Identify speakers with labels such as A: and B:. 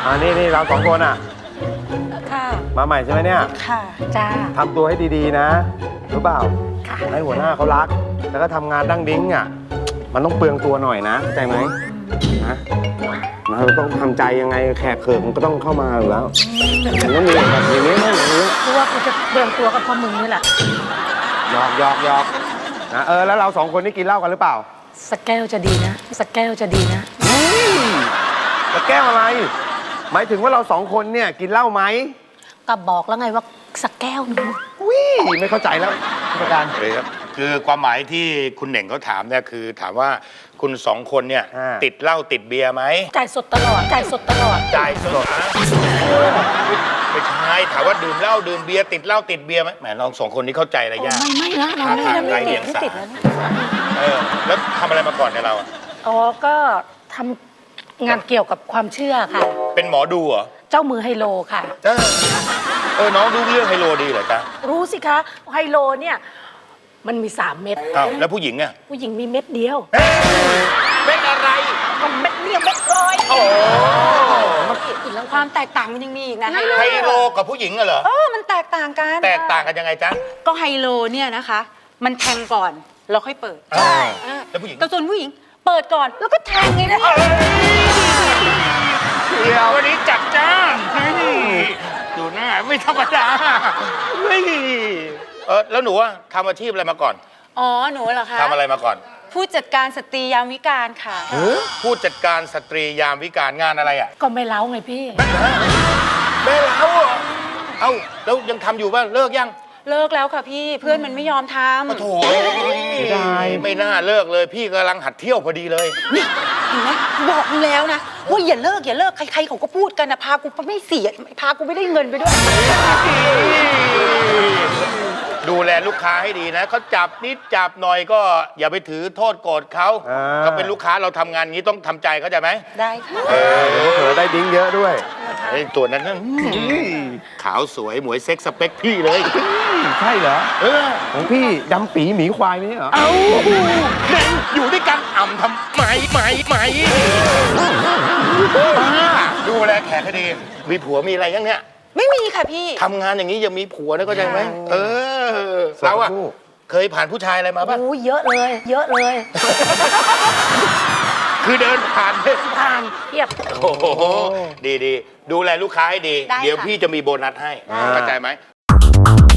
A: นี่เรา2 คนอ่ะ
B: ค่ะ
A: มาใหม่ใช่ไหมเนี่ย
B: ค่ะจ้า
A: ทำตัวให้ดีๆนะรู้เปล่า
B: ค่ะ
A: ให้หัวหน้าเขารักแล้วก็ทำงานดั้งดิ้งอ่ะมันต้องเปลืองตัวหน่อยนะเข้าใจไหมนะเราต้องทำใจยังไงแขกเขิกมันก็ต้องเข้ามาอยู่แล้วมันต้องมีแบบอย่างนี้อย่างนี้
B: กูว่ากูจะเปลืองตัวกับพ่อมึงนี่แหละ
A: หยอกนะแล้วเรา2 คนนี่กินเหล้ากันหรือเปล่า
B: สักแก้วจะดีนะสักแก้วจะดีนะ
A: แล้วแก้วอะไรหมายถึงว่าเรา2 คนเนี่ยกินเหล้าไหม
B: ก็บอกแล้วไงว่าสักแก้วนึง
A: ไม่เข้าใจแล้วประการ
C: เลยครับคือความหมายที่คุณเหน่งเขาถามเนี่ยคือถามว่าคุณ2 คนเนี่ยติดเหล้าติดเบียร์ไหม
B: จ่ายสดตลอดจ่ายสดตลอด
C: จ่ายสดไม่ใช่ถามว่าดื่มเหล้าดื่มเบียร์ติดเหล้าติดเบียร์ไหมแหมน้อง2 คนนี้เข้าใจอะไรยาก
B: ไม่นะเราไม่ติดแล้ว
C: แล้วทำอะไรมาก่อนเนี่ยเรา
B: อ๋อก็ทำงานเกี่ยวกับความเชื่อค่ะ
C: เป็นหมอดูเหรอ
B: เจ้ามือไฮโลค่ะ
C: น้องดูเรื่องไฮโลดีเหรอจ๊ะ
B: รู้สิคะไฮโลเนี่ยมันมี3 เม็ด
C: แล้วผู้หญิงอ่ะ
B: ผู้หญิงมีเม็ดเดียว
C: เม็ดอะไร
B: ก็เม็ดเดียวเม็ดร้อย
D: ความแตกต่างมันยังมีอีกนะ
C: ไฮโลกับผู้หญิงเหรอ
D: มันแตกต่างกัน
C: แตกต่างกันยังไงจ๊ะ
D: ก็ไฮโลเนี่ยนะคะมันแทงก่อนแล้วค่อยเปิด
C: ใช่แล้วผู้หญิง
D: แต่ส่วนผู้หญิงเปิดก่อนแล้วก็แทงไงนะ
C: เดี๋ยววันนี้จัดจ้านดูหน้าไม่ธรรมดาแล้วหนูว่าทำอาชีพอะไรมาก่อน
D: อ๋อหนูเหรอคะ
C: ทำอะไรมาก่อน
D: ผู้จัดการสตรียามวิกาลค่ะ
C: ผู้จัดการสตรียามวิกาลงานอะไรอ่ะ
B: ก็ไม่เล้าไงพี่
C: ไม่เล้าแล้วยังทำอยู่ป่ะเลิกยัง
D: เลิกแล้วค่ะพี่เพื่อนมันไม่ยอมทำ
C: โถ่ไม่น่าเลิกเลยพี่กำลังหัดเที่ยวพอดีเลย
D: นี่เห็นไหมบอกแล้วนะว่าอย่าเลิกใครๆเขาก็พูดกันนะพากูไม่เสียพากูไม่ได้เงินไปด้วย
C: ดูแลลูกค้าให้ดีนะเขาจับนิดจับหน่อยก็อย่าไปถือโทษโกรธเขาเขาเป็นลูกค้าเราทำงานงี้ต้องทำใจเข้าใจไหม
D: ได้ค่ะ
A: เผื่อได้ดิ้งเยอะด้วย
C: ไอ้ตัวนั้นขาวสวยหมวยเซ็กสเปคพี่เลย
A: ใช่เหรอของพี่ดำปีหมีควายนี่เหรอ
C: อยู่ด้วยกันอ่ำทำไมดูแลแขกให้ดีมีผัวมีอะไรยังเนี้ย
D: ไม่มีค่ะพี่
C: ทำงานอย่างนี้ยังมีผัวนะก็ใช่ไหมเราอะเคยผ่านผู้ชายอะไรมาบ้าง
B: เยอะเลย
C: คือเดินผ่าน
B: เทียบ
C: โอ้โหดีดูแลลูกค้าให้ดีเดี๋ยวพี่จะมีโบนัสให้เข้าใจไหม